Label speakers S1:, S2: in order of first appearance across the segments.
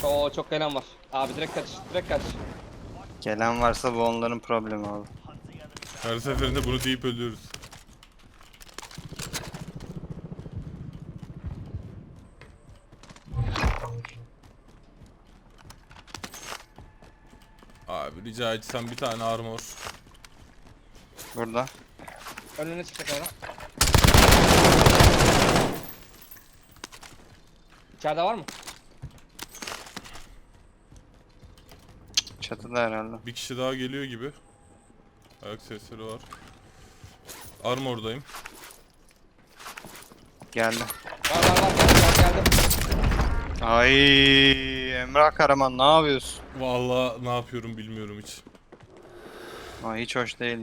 S1: Oo çok gelen var. Abi direkt kaç, direkt kaç.
S2: Gelen varsa bu onların problemi abi.
S3: Her seferinde bunu deyip ölüyoruz. Abi rica etsem bir tane armor.
S2: Burada.
S1: Önüne çıkacak ona. İçeride var mı?
S2: Çatıda herhalde.
S3: Bir kişi daha geliyor gibi. Ayak sesleri var. Armordayım.
S2: Geldi.
S1: Var geldi.
S2: Ay Emrah Karaman ne yapıyorsun?
S3: Vallahi ne yapıyorum bilmiyorum hiç.
S2: Aa, hiç hoş değil.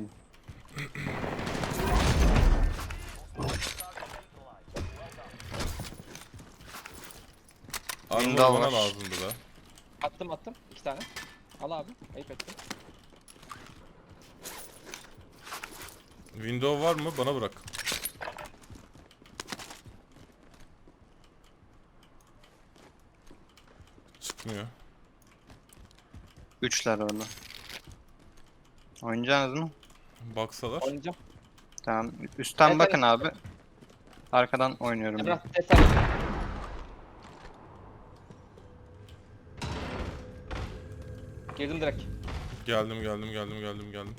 S3: Armor
S2: Window
S3: bana
S2: var.
S3: lazımdı da.
S1: Attım. 2 tane. Al abi. Ayıp ettim.
S3: Window var mı? Bana bırak. Çıkmıyor.
S2: Üçler orada. Oynayacaksınız mı?
S3: Baksalar.
S1: Oynayacağım.
S2: Tamam. Üstten
S1: Evet,
S2: bakın
S1: evet.
S2: abi. Arkadan oynuyorum ben.
S1: Emrah ses ver. Girdim direkt.
S3: Geldim.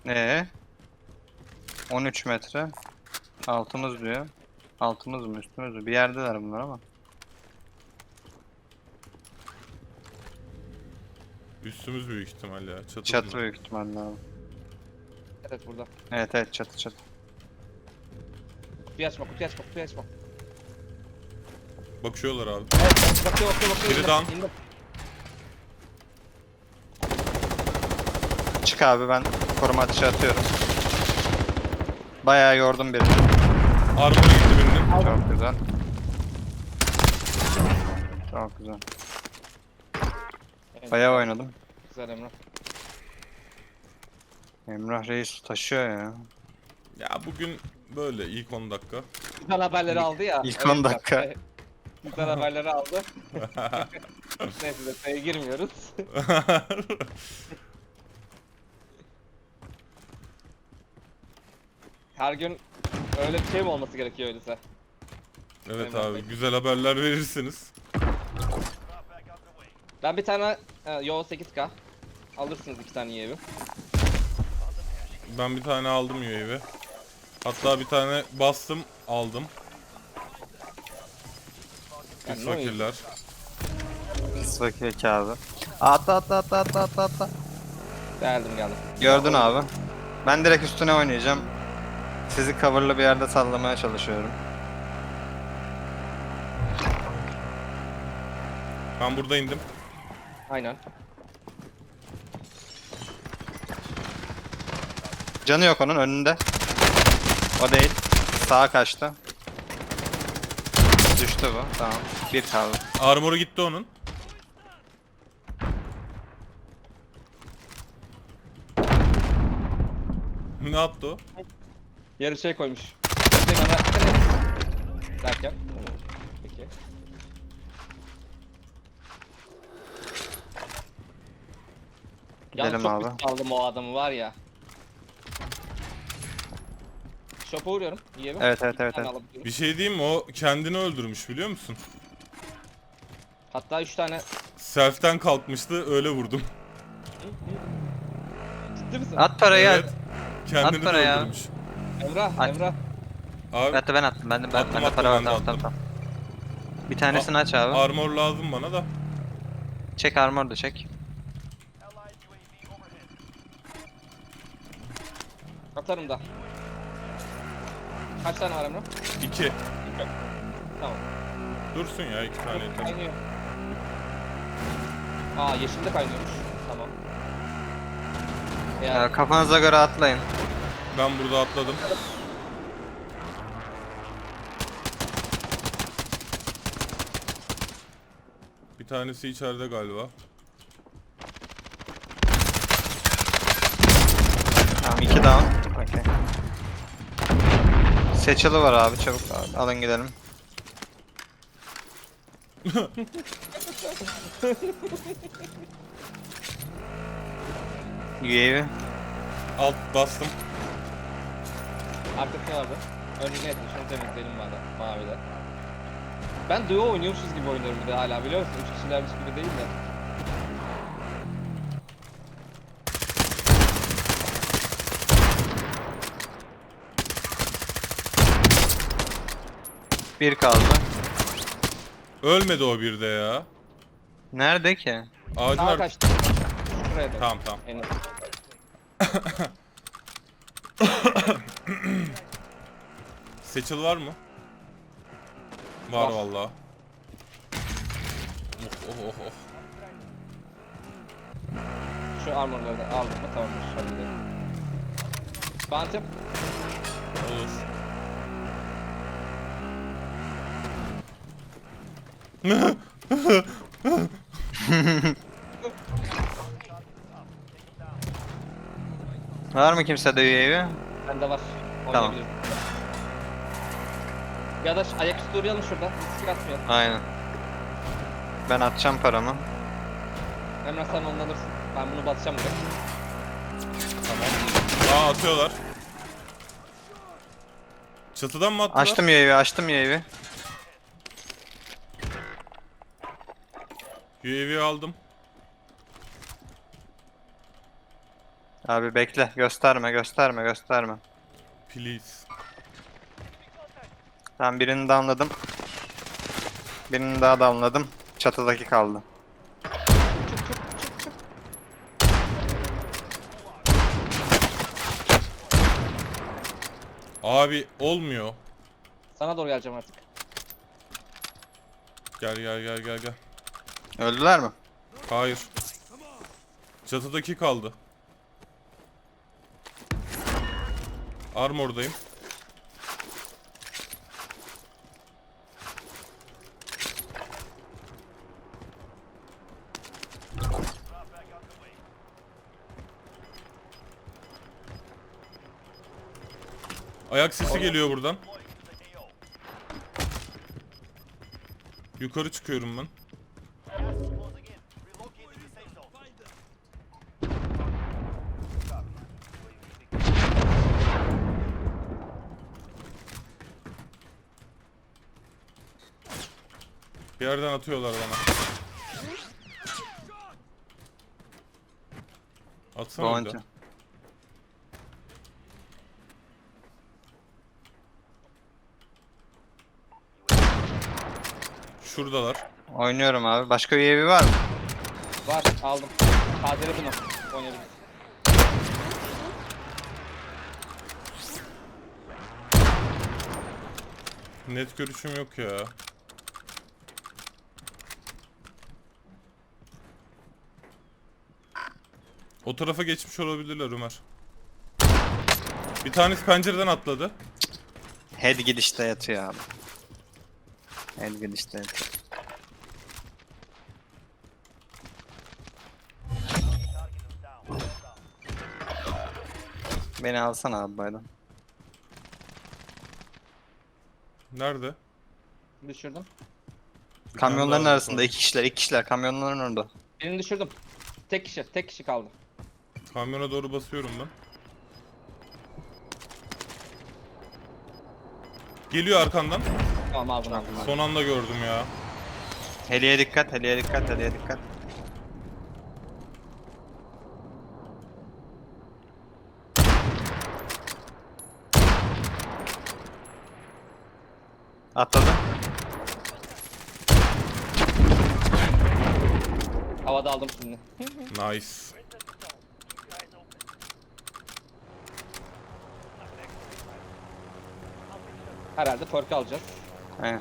S2: 13 metre. Altımız diyor. Altımız mı üstümüz mü? Bir yerdeler bunlar ama.
S3: Üstümüz büyük ihtimal ya.
S2: Çatı
S3: bunlar.
S2: büyük ihtimalle abi.
S1: Evet burada.
S2: Evet çatı.
S1: Kutuyu açma.
S3: Bakıyorlar abi.
S1: Evet bakıyor.
S3: Biri
S1: İndim,
S3: down.
S1: indim.
S2: Çık abi ben koruma atışı atıyorum. Bayağı yordum birini.
S3: Armor'a gitti birinin.
S2: Çok güzel. Çok güzel. Bayağı oynadım.
S1: Güzel Emrah.
S2: Emrah Reis taşıyor ya.
S3: Ya bugün böyle ilk 10 dakika.
S1: Güzel haberleri aldı ya.
S2: İlk 10 dakika.
S1: evet. Güzel haberleri aldı. Neyse detaya girmiyoruz. Her gün öyle bir şey mi olması gerekiyor öyleyse?
S3: Evet
S1: Emrah
S3: abi
S1: Bey.
S3: güzel haberler verirsiniz.
S1: Ben bir tane yo 8K alırsınız 2 tane evi.
S3: Ben bir tane aldım UAV. Hatta bir tane bastım aldım.
S1: Yani
S3: Pis
S1: ne oyun?
S3: fakirler.
S2: Pis vakit abi. Atla.
S1: Geldim.
S2: Gördün abi. Ben direkt üstüne oynayacağım. Sizi coverlı bir yerde sallamaya çalışıyorum.
S3: Ben burada indim.
S1: Aynen.
S2: Canı yok onun önünde. O değil. Sağa kaçtı. Düştü bu. Tamam. Bir kaldı.
S3: Armoru gitti onun. Ne yaptı o?
S1: Yarı şey koymuş. Derken. Peki.
S2: Gidelim
S1: çok
S2: abi.
S1: pis aldım o adamı var ya. Shop'a uğruyorum. Yiyelim.
S2: Evet.
S3: Bir şey diyeyim mi? O kendini öldürmüş biliyor musun?
S1: Hatta 3 tane.
S3: Self'ten kalkmıştı öyle vurdum.
S1: Ciddi misin?
S2: At parayı
S3: Evet.
S2: at.
S3: Kendini
S2: At
S3: de
S2: parayı ya.
S3: öldürmüş.
S1: Emrah.
S3: Abi
S2: Ben attım. Bende
S3: Attım,
S2: para var.
S3: ben de attım.
S2: Tamam. Bir tanesini aç abi.
S3: armor lazım bana da.
S2: Çek armor da çek.
S1: Atarım da. Kaç tane var Emrah?
S3: 2.
S1: Tamam.
S3: Dursun ya 2 tane yeter.
S1: Kaynıyor. Aa yeşilde kaynıyormuş. Tamam. Ya
S2: Kafanıza göre atlayın.
S3: Ben burada atladım. Bir tanesi içeride galiba.
S2: Tamam 2 down. Okey. Seçili var abi çabuk abi. Alın gidelim. UAV.
S3: Alt bastım.
S1: Arkası vardı. Önüne etmiş. Şunu temizleyelim bari. Mavide. Ben duo oynuyormuşuz gibi oynuyorum bir de hala biliyor musun? 3 kişilermiş gibi değil de.
S2: Bir kaldı.
S3: Ölmedi o bir de ya.
S2: Nerede ki?
S3: Ağacın
S1: Sağa kaçtı. Şuraya da.
S3: Tamam tamam.
S1: En az.
S3: Seçil var mı? Var
S1: Var.
S3: vallahi. Oh oh oh.
S1: Şu armorları da aldım mı tamamdır. Hadi. Bantım.
S3: Olur.
S2: Var mı kimsede UAV?
S1: Bende var.
S2: Tamam.
S1: Oynayabiliriz. Ya da ayaküstü uğrayalım şurada. Risk atmayalım.
S2: Aynen. Ben atacağım paramı.
S1: Emrah sen onu alırsın. Ben bunu basacağım direkt.
S3: Tamam. Aa atıyorlar. Çatıdan mı attılar?
S2: Açtım UAV, açtım UAV.
S3: UAV aldım.
S2: Abi bekle, gösterme, gösterme, gösterme.
S3: Please.
S2: Ben birini downladım. Birini daha downladım. Çatıdaki kaldı.
S3: Abi olmuyor.
S1: Sana doğru geleceğim artık.
S3: Gel gel gel gel gel.
S2: Öldüler mi?
S3: Hayır. Çatıdaki kaldı. Armordayım. Ayak sesi geliyor buradan. Yukarı çıkıyorum ben. Bir yerden atıyorlar bana. Atsana bir
S2: Bounty.
S3: de. Şuradalar.
S2: Oynuyorum abi. Başka UAV var mı?
S1: Var aldım. Kaderi bunu. Oynayabiliriz.
S3: Net görüşüm yok ya. O tarafa geçmiş olabilirler Ömer. Bir tanesi pencereden atladı.
S2: Head gidişte yatıyor abi. Head gidişte yatıyor. Beni alsana abi baydan.
S3: Nerede?
S1: Düşürdüm.
S3: Bir
S2: Kamyonların
S3: tane daha
S2: arasında
S3: var.
S2: iki kişiler kamyonların orada.
S1: Birini düşürdüm. Tek kişi kaldı.
S3: Kamyona doğru basıyorum ben. Geliyor arkandan.
S1: Tamam aldım aldım.
S3: Son anda gördüm ya.
S2: Heliye dikkat, heliye dikkat, heliye dikkat. Atladı.
S1: Havada aldım şimdi.
S3: Nice.
S1: Herhalde perk alacağız.
S2: Aynen.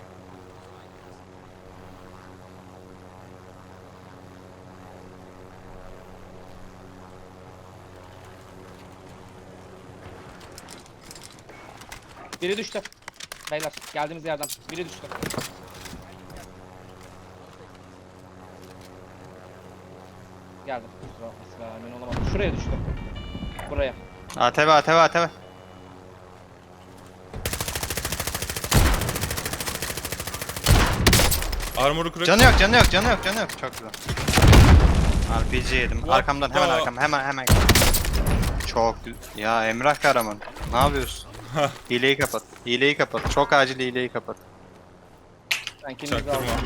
S1: Biri düştü. Beyler geldiğimiz yerden. Biri düştü. Geldim. Kusura bakma, emin olamadım. Şuraya düştü. Buraya.
S2: ATV, ATV, ATV.
S3: Armor'u crack.
S2: Canı yok, canı yok, canı yok, canı yok. Çok güzel. RPG yedim.
S3: What
S2: Arkamdan hemen
S3: the-
S2: arkam. Hemen. Çok güzel. Ya Emrah Karaman. Ne yapıyorsun? Hileyi kapat. Hileyi kapat. Çok acil hileyi kapat.
S1: Ben kendinizi
S3: Çaktırma.
S1: aldım.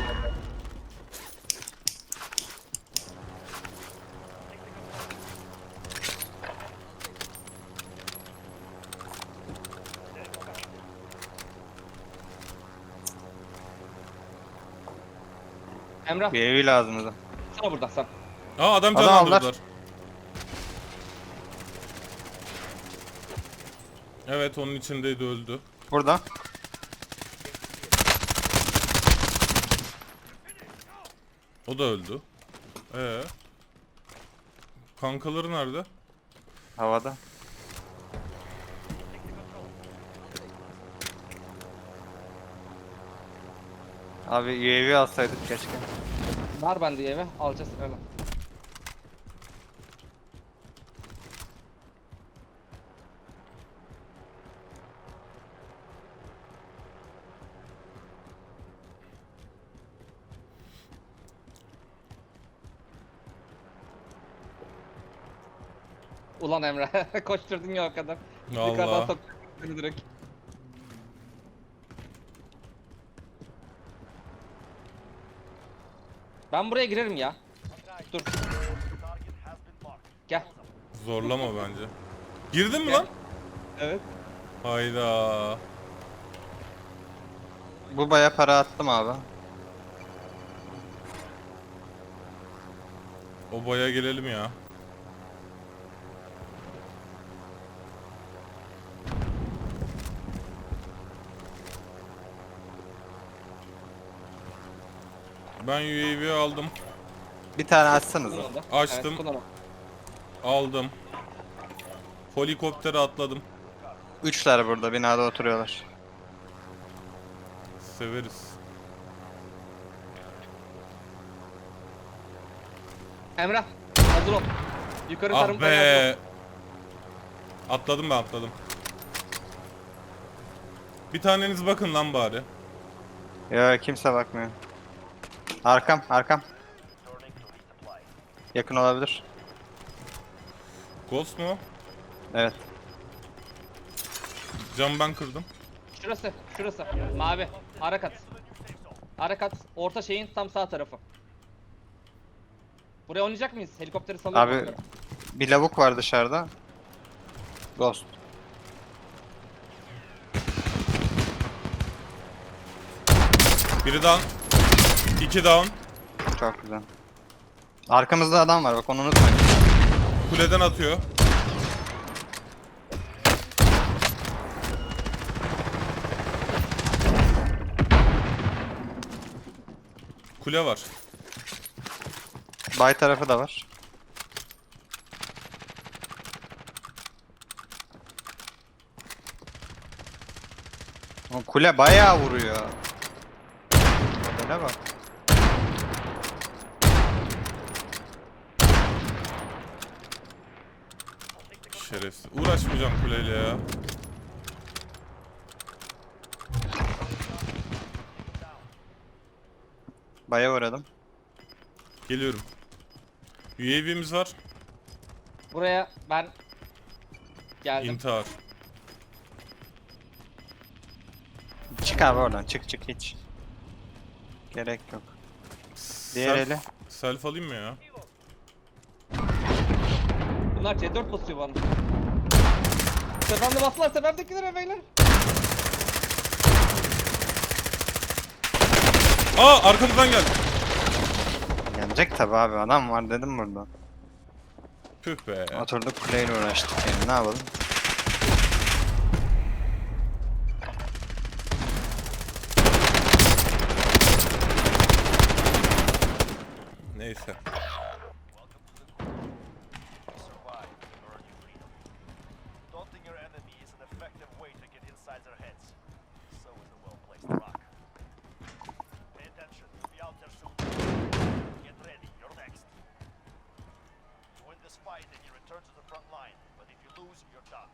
S1: Emrah,
S2: Bir evi lazım bize.
S1: sana buradan sen.
S3: Aa adam
S2: Adam aldılar.
S3: canlandırdılar. Evet onun içindeydi öldü.
S2: Burada.
S3: O da öldü. Kankaları nerede?
S2: Havada. Abi UAV alsaydık keşke.
S1: Var bende eve, alacağız öyle. Ulan Emre, koşturdun ya o kadar. Yukarıdan
S3: Vallahi.
S1: soktun beni direkt. Ben buraya girerim ya. Dur. Gel.
S3: Zorlama bence. Girdin mi
S1: Gel.
S3: lan?
S1: Evet.
S3: Hayda.
S2: Bu baya para attım abi.
S3: O boya gelelim ya. Ben UAV aldım.
S2: Bir tane açsanıza.
S1: Kullanıldı.
S3: Açtım.
S1: Evet, kullanalım.
S3: Aldım. Helikoptere atladım.
S2: Üçler burada binada oturuyorlar.
S3: Severiz.
S1: Emrah, hazır ol. Yukarı
S3: Ah
S1: tarım kaynağı
S3: be. Atladım ben atladım. Bir taneniz bakın lan bari.
S2: Ya kimse bakmıyor. Arkam. Yakın olabilir.
S3: Ghost mu?
S2: Evet.
S3: Cam ben kırdım.
S1: Şurası. Mavi. Ara kat. Ara kat. Orta şeyin tam sağ tarafı. Buraya oynayacak mıyız? Helikopteri salıyorum.
S2: Abi bir lavuk var dışarıda. Ghost.
S3: Biri down. 2 down.
S2: Çok güzel. Arkamızda adam var bak onu unutmayın.
S3: Kuleden atıyor. Kule var.
S2: Bay tarafı da var. O kule bayağı vuruyor. Kule bak.
S3: Şerefsiz. Uğraşmayacağım kuleyle ya.
S2: Baya uğradım.
S3: Geliyorum. UAV'miz var.
S1: Buraya ben geldim.
S3: İntihar.
S2: Çık abi oradan çık hiç. Gerek yok. Diğer
S3: Self-
S2: eli.
S3: Self alayım mı ya?
S1: Bunlar C4 basıyor bana. Tepemde bastılar, tepemdekilere beyler.
S3: Aa arkamızdan geldi.
S2: Gelecek tabi abi adam var dedim burada.
S3: Püh be.
S2: Oturduk kuleyle uğraştık yani ne yapalım.
S3: Neyse.
S4: Daunting your enemy is an effective way to get inside their heads. So is a well-placed rock. Pay attention. Be out there soon. Get ready. You're next. You win this fight and you return to the front line. But if you lose, you're done.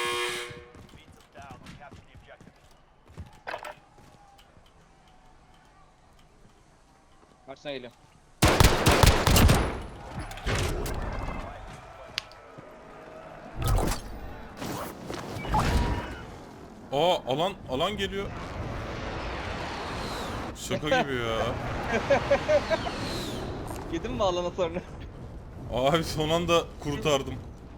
S4: Beat them down and capture the objective.
S1: Karşına geliyor.
S3: Aa alan geliyor. Şaka gibi ya.
S1: Yedin mi alana sonra?
S3: Abi son anda kurtardım.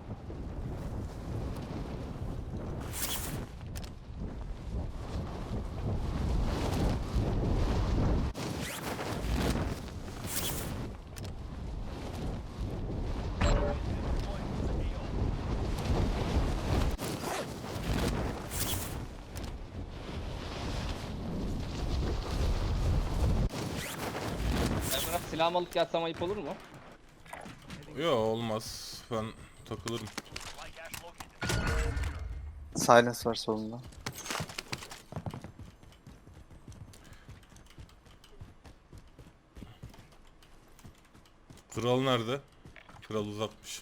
S1: Emrah silahımı alıp gelsem ayıp olur mu?
S3: Yo olmaz. Ben takılırım.
S4: Supply cache located.
S2: Silence var solunda.
S3: Kral nerede? Kral uzakmış.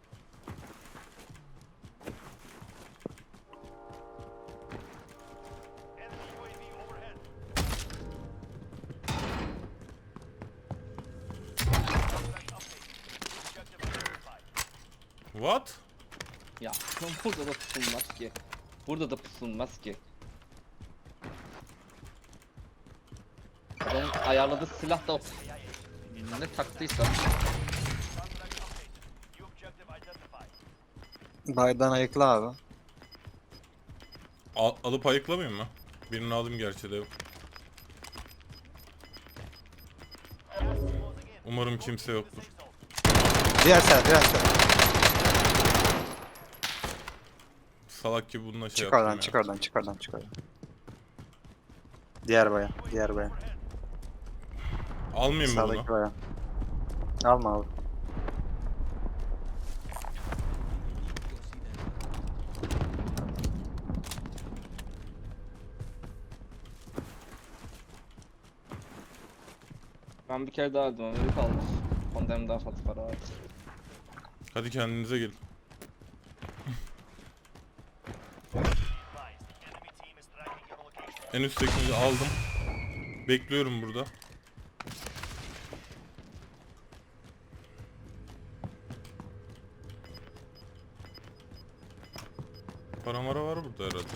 S4: Enemy UAV overhead. Contract update. Objective identified.
S3: What?
S1: Ya burada da pusulmaz ki. Burada da pusulmaz ki. Adamın ayarladığı silah da ne taktıysa.
S4: Contract updated. New objective identified.
S2: Baydan ayıkla abi.
S3: Alıp ayıklamayayım mı? Birini alayım gerçi de.
S4: Gas is closing in.
S3: Umarım kimse yoktur.
S4: Safe zone.
S2: Diğer side.
S3: Salak gibi bununla şey
S2: Çık
S3: yaptım
S2: oradan,
S3: ya.
S2: çık oradan. Diğer baya.
S3: Almayayım mı
S2: Sağdaki
S3: bunu?
S2: baya. Alma abi.
S1: Ben bir kere daha öldüm. Öyle kaldı. Ondan daha fazla para var.
S3: Hadi kendinize gelin.
S4: Advised. Enemy team is tracking your location.
S3: En üsttekini aldım. Bekliyorum burada. Paramara var burada herhalde.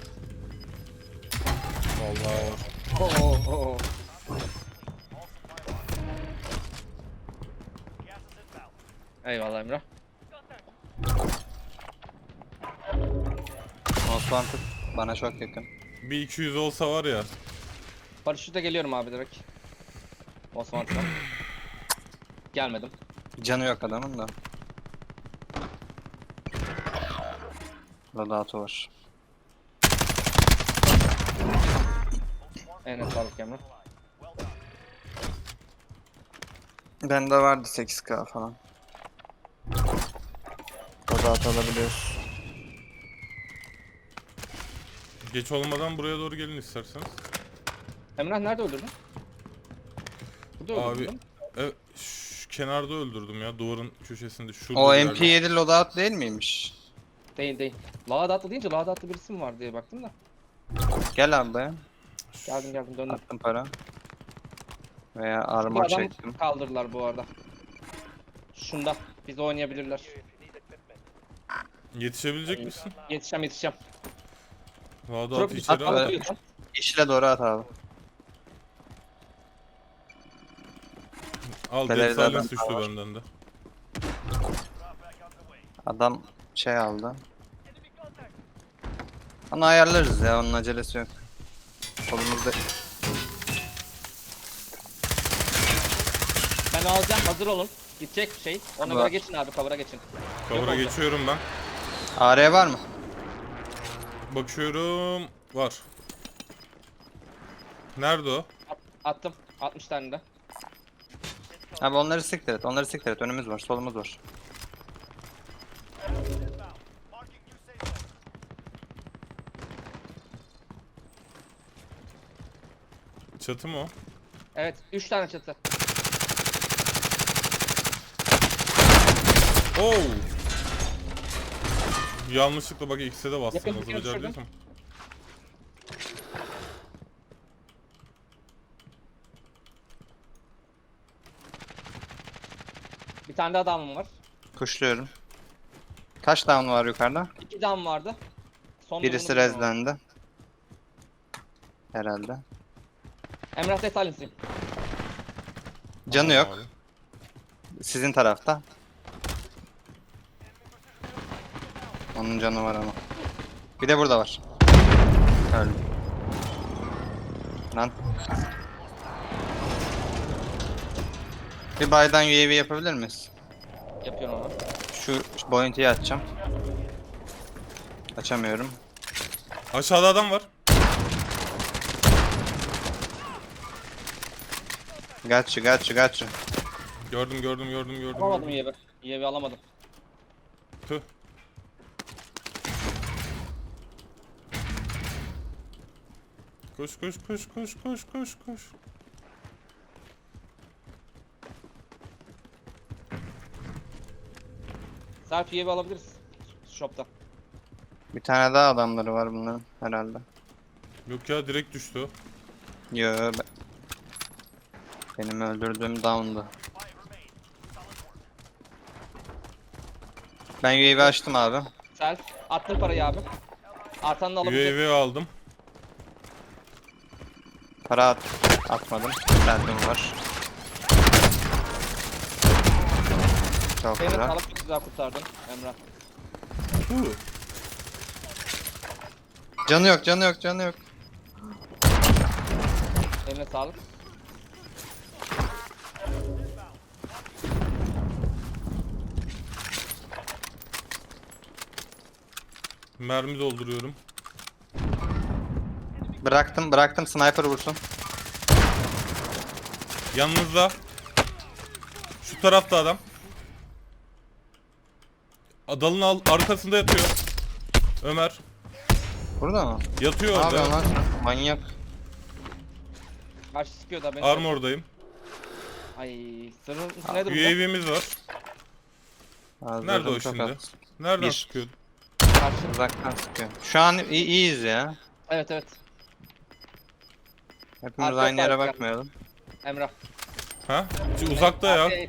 S3: Vallahi var.
S1: Oo.
S4: Gas is inbound.
S1: Eyvallah Emrah.
S2: Osman tut. Bana çok yakın.
S3: Bir 200 olsa var ya.
S1: Paraşütle geliyorum abi direkt. Osmanlı'dan. Gelmedim.
S2: Canı yok adamın da. Loadout'u var.
S1: En sağlık Emrah.
S4: Well done.
S2: Bende vardı 8k falan. Loadout alabiliyoruz.
S3: Geç olmadan buraya doğru gelin isterseniz.
S1: Emrah nerede öldürdün? Burada
S3: Abi
S1: öldürdün.
S3: şu kenarda öldürdüm ya, duvarın köşesinde şurada
S2: O
S3: bir yerde.
S2: MP7 loadout değil miymiş?
S1: Değil. Lağdatlı deyince Lağdatlı birisi mi var diye baktım da.
S2: Gel abi be.
S1: Geldim döndüm.
S2: Attım para. Veya
S1: Bu
S2: armor
S1: adam
S2: çektim.
S1: kaldırdılar bu arada. Şunda. Biz oynayabilirler.
S3: Yetişebilecek misin?
S1: Yetişeceğim.
S3: Vada
S1: Tropi
S3: içeri
S2: at,
S3: al.
S2: at. İşle doğru at abi.
S3: Al,
S2: Beleride
S3: Dead
S2: adam
S3: Silence düştü
S2: var.
S3: benden de.
S4: Drop back underway.
S2: Adam şey aldı.
S4: Enemy contact.
S2: Onu ayarlarız ya, onun acelesi yok. Solumuzda.
S1: Ben alacağım, hazır olun. Gidecek şey. Ona
S2: Var.
S1: göre geçin abi, cover'a geçin.
S3: Cover'a
S1: oldu.
S3: geçiyorum ben.
S2: AR var mı?
S3: Bakıyorum. Var. Nerede o?
S1: Attım. 60 tane de.
S2: Abi onları siktir et. Önümüz var, solumuz var.
S4: Inbound. Marking new safe zone.
S3: Çatı mı o?
S1: Evet, 3 tane çatı.
S3: Oo! Yanlışlıkla bak ikisi de bastım.
S1: Yakın
S3: Nasıl
S1: bir kere düşürdüm.
S3: becerdiysem.
S1: Bir tane de adamım var.
S2: Kuşluyorum. Kaç down var yukarıda?
S1: 2 down vardı. Son
S2: Birisi
S1: durumunu bilmiyorum.
S2: rezlendi. Herhalde.
S1: Emrah detaylısı.
S2: Canı
S3: Tamam
S2: yok.
S3: abi.
S2: Sizin tarafta. Onun canı var ama. Bir de burada var. Öldü. Lan. Bir baydan UAV yapabilir miyiz?
S1: Yapıyorum onu.
S2: Şu bounty'yi açacağım. Açamıyorum.
S3: Aşağıda adam var.
S2: Gotcha.
S3: Gördüm.
S1: Alamadım UAV. UAV alamadım.
S3: Tüh. Koş.
S1: Self UAV alabiliriz. Shop'ta.
S2: Bir tane daha adamları var bunların herhalde.
S3: Yok ya, direkt düştü o.
S2: Yo, benim öldürdüğüm down'du. Ben UAV açtım abi.
S1: Self. Attım parayı abi. Artanı da alabilecek.
S3: UAV aldım.
S2: Para atmadım. Selfie'm var. Çok
S1: Seni
S2: güzel.
S1: alıp çok güzel kurtardın Emrah.
S3: Huh.
S2: Canı yok.
S1: Eline sağlık.
S3: Mermi dolduruyorum.
S2: Bıraktım sniper vursun.
S3: Yanınızda. Şu tarafta adam. Dalın arkasında yatıyor. Ömer.
S2: Burada mı?
S3: Yatıyor
S2: Ne yapıyorsun
S3: orada.
S2: lan sen? Manyak.
S1: Karşı sıkıyor da beni.
S3: Armordayım.
S1: Ay sırrın ne durumda?
S3: UAV'miz var. Nerede o
S2: Ağzı çok
S3: şimdi?
S2: az.
S3: Nereden
S2: Bir.
S3: sıkıyordu?
S1: Karşı.
S2: Uzaktan sıkıyor. Şu an iyiyiz ya.
S1: Evet.
S2: Hepimiz
S1: Arka
S2: aynı yere
S1: sahip
S2: bakmayalım.
S1: Emrah.
S3: Ha? Uzakta ya.
S1: Arkaya-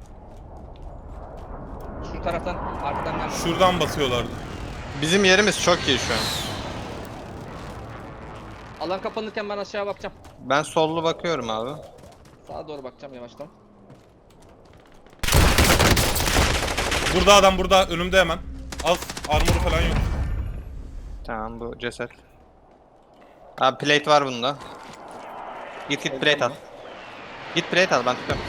S1: Şu taraftan arkadan geldi.
S3: Şuradan basıyorlardı.
S2: Bizim yerimiz çok iyi şu an.
S1: Alan kapanırken ben aşağıya bakacağım.
S2: Ben sollu bakıyorum abi.
S1: Sağa doğru bakacağım yavaştan.
S3: Burada adam, burada önümde hemen. Az armoru falan yok.
S2: Tamam, bu ceset. Abi plate var bunda. Git plate al. Git plate al, ben tutuyorum.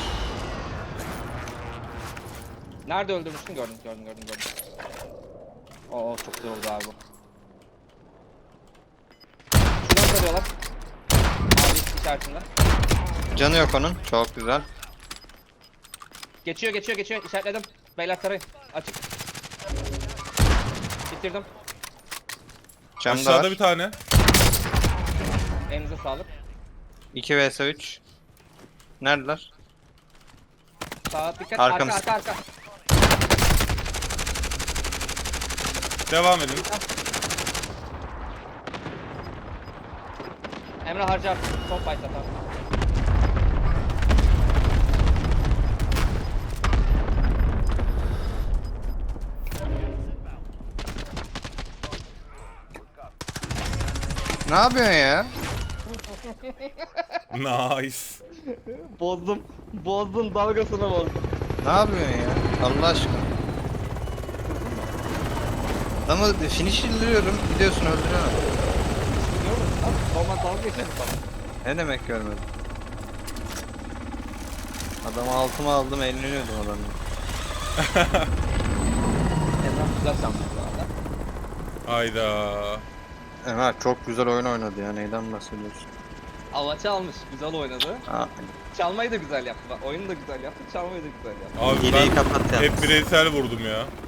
S1: Nerede öldürmüştün? Gördüm. Oo çok güzel oldu abi bu. Şuradan tarıyorlar. Mavi işaretinden.
S2: Canı yok onun. Çok güzel.
S1: Geçiyor. İşaretledim. Beyler tarayın. Açık. Bitirdim.
S2: Camda
S3: Aşağıda
S2: var.
S3: bir tane.
S1: Elinize sağlık.
S2: 2 vs 3. Neredeler?
S1: Sağa dikkat.
S2: Arkamız.
S1: Arka.
S3: Devam edin.
S1: Emre harcar. Son fight'ta tamam.
S2: Ne yapıyorsun ya?
S3: Nice.
S1: Bozdum dalgasını bozdum.
S2: Ne yapıyorsun ya? Allah aşkına. Adamı finisherliyorum, gidiyorsun öldürüyorsun.
S1: Biliyor musun? Normal dalga geçelim sana.
S2: Ne demek görmedim? Adamı altıma aldım, eğleniyordum adamı.
S1: Emrah güzel şanslı bu arada.
S3: Hayda.
S2: Evet, çok güzel oyun oynadı ya, neyden bahsediyorsun?
S1: Avaçı almış. Güzel oynadı.
S2: Aa,
S1: Çalmayı da güzel yaptı. Bak oyunu da güzel yaptı. Çalmayı da güzel yaptı.
S3: Abi
S2: hileyi
S3: ben
S2: kapat ya.
S3: hep bireysel vurdum ya.